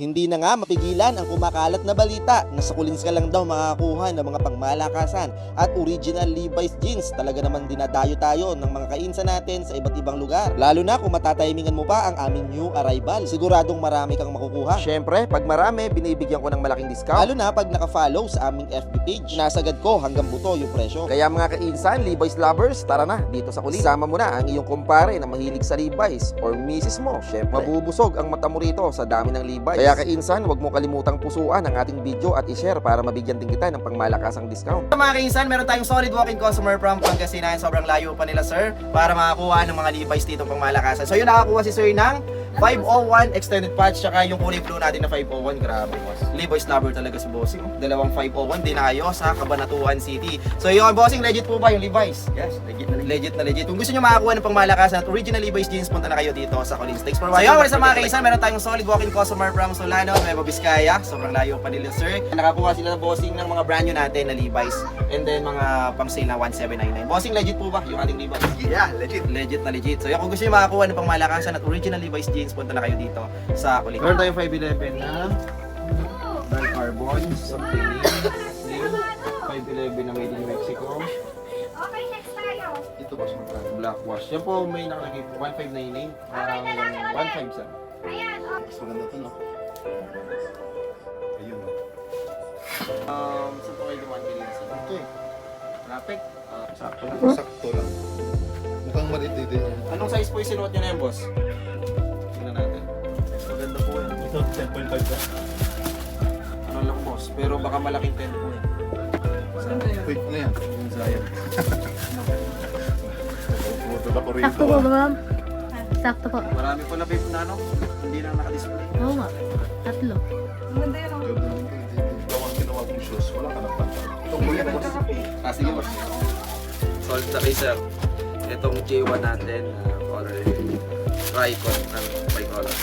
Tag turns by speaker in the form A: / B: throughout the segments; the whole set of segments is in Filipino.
A: Hindi na nga mapigilan ang kumakalat na balita na sa Kulins ka lang daw makakakuha ng mga pangmalakasan at original Levi's jeans. Talaga naman dinadayo tayo ng mga kainsa natin sa iba't ibang lugar. Lalo na kung matatimingan mo pa ang aming new arrival. Siguradong marami kang makukuha. Syempre, pag marami, binibigyan ko ng malaking discount. Lalo na pag naka-follow sa aming FB page. Nasagad ko hanggang buto yung presyo. Kaya mga kainsan, Levi's lovers, tara na dito sa Kulins. Sama mo na ang iyong kumpare na mahilig sa Levi's or misis mo. Syempre, mabubusog ang mata mo rito sa dami ng Levi's. Kaya kainsan, huwag mo kalimutang pusuan ang ating video at i-share para mabigyan din kita ng pangmalakasang discount.
B: Mga kainsan, meron tayong solid walk-in customer from Pangasinan. Sobrang layo pa nila, sir, para makakuha ng mga Levi's dito pang malakasan. So yun, nakakuha si sir ng 501 extended patch, tsaka yung kulay blue natin na 501. Grabe, boss. Levi's lover talaga si bossing. Dalawang 501 dinayo sa Cabanatuan City. So yun, bossing, legit po ba yung Levi's? Yes, legit na legit. Kung gusto nyo makakuha ng pangmalakasan at original Levi's jeans, punta na kayo dito sa Kulins. Thanks for watching. Ayun, sa mga kainsan, meron tayong solid walk-in customer from Solano, Nueva Vizcaya. Sobrang layo pa nila, sir. Nakakuha sila ng bossing ng mga brand new natin na Levi's. And then mga pang sale na 1799. Bossing, legit po ba yung ating Levi's?
C: Yeah, legit.
B: Legit na legit. So, kung gusto nyo makakuha ng pangmalakasan at original Levi's jeans, punta na kayo dito sa Kulins. Meron tayong 511 na dark carbon, something new. 511 na made in Mexico.
D: Okay, next tayo.
C: Ito ba siya?
B: Black wash. Yan po may nakalagay po. 1599. Parang 1.5 sa.
D: Ayan, oh.
C: Mas maganda to, no? Ayun, no?
B: Saan po kayo dumaan kanina sa
C: Ito eh.
B: traffic?
C: Sakto lang. Sakto lang. Mukhang maliit din yan.
B: Anong size po yung sinuot nyo na yan, boss? Tingnan natin. Maganda po yan.
C: Ito, 10.5 ba?
B: Ano lang, boss? Pero baka malaking 10 po yan.
C: Quick na yan.
B: Yung Zion.
C: Puto na ko rito.
E: Sakto po ba, ma'am? Sakto po.
B: Marami po na vape na ano? Hindi na nakadisplay.
E: Oo nga. Tatlo.
C: Ganda naman ito. Gawang ginawa kong shoes. Wala ka ng pantal. Itong kuya, boss.
B: Sige, boss. Solid na kayo, sir. Itong J1 natin, color Tricon ng bicolor.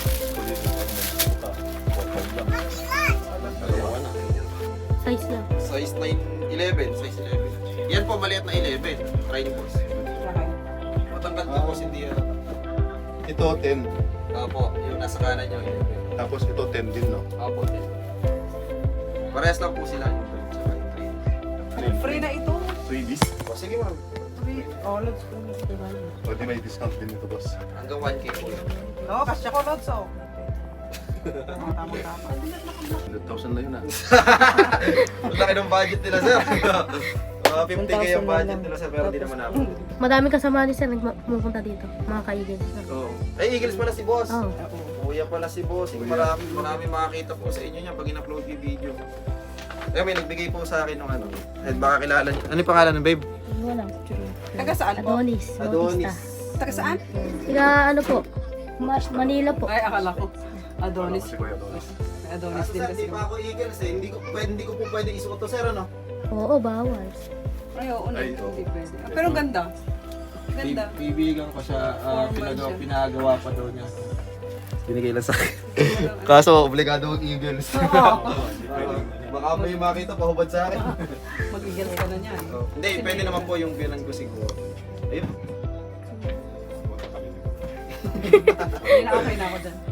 B: Dalawa na.
E: Size lang.
B: Size 9, 11. Size 11. Yan po, maliit na 11. Try niyo, boss. Matanggal to, boss, hindi yan.
C: Ito, 10.
B: Opo, yung nasa kanan nyo, 11.
C: Tapos ito, 10 din, no?
B: Opo, 10. Parehas lang po sila yung 12 tsaka yung 3.
F: Free na ito.
C: Freebies.
B: O, sige, ma'am.
F: Free. Oh, loads ko.
C: O, di may discount din ito, boss.
B: Hanggang 1K po yun.
F: No, kasya ko loads, oh. Tama-tama.
C: 100,000 na yun, ah.
B: Ang laki ng budget nila, sir. 50K yung budget nila, sir, pero di naman ako.
E: Madaming kasama ni sir nagpupunta dito. Mga kaibigan.
B: Oo. Ay, Eagles pala si boss.
E: Oo.
B: Kuya pala si boss. Marami makakita po sa inyo niya pag in-upload yung video. Eh, may nagbigay po sa akin ng ano. At baka kilala niyo. Ano yung pangalan ng babe?
E: Wala.
F: Taga saan po?
E: Adonis.
B: Adonis.
F: Taga saan?
E: Tiga ano po? Manila po.
F: Ay, akala ko. Adonis.
C: Si Kuya Adonis.
F: Adonis din
B: Sir,
F: kasi.
B: di pa ako Eagles eh. Hindi ko po pwede isuot to, sir, ano?
E: Oo, bawal.
F: Ay, oo na.
C: Ay, oo.
F: Hindi pwede. Ah, pero ganda. Ganda.
B: Bibigan ko siya.
F: Formal siya.
B: Pinagawa pa daw niya. Binigay lang sa akin. Kaso, obligado ang Eagles. Baka may makita pahubad sa akin.
F: Mag-igils ka na niyan.
B: Hindi, pwede naman po yung bilang ko siguro. Ayun.
F: Hindi na okay na ako dyan.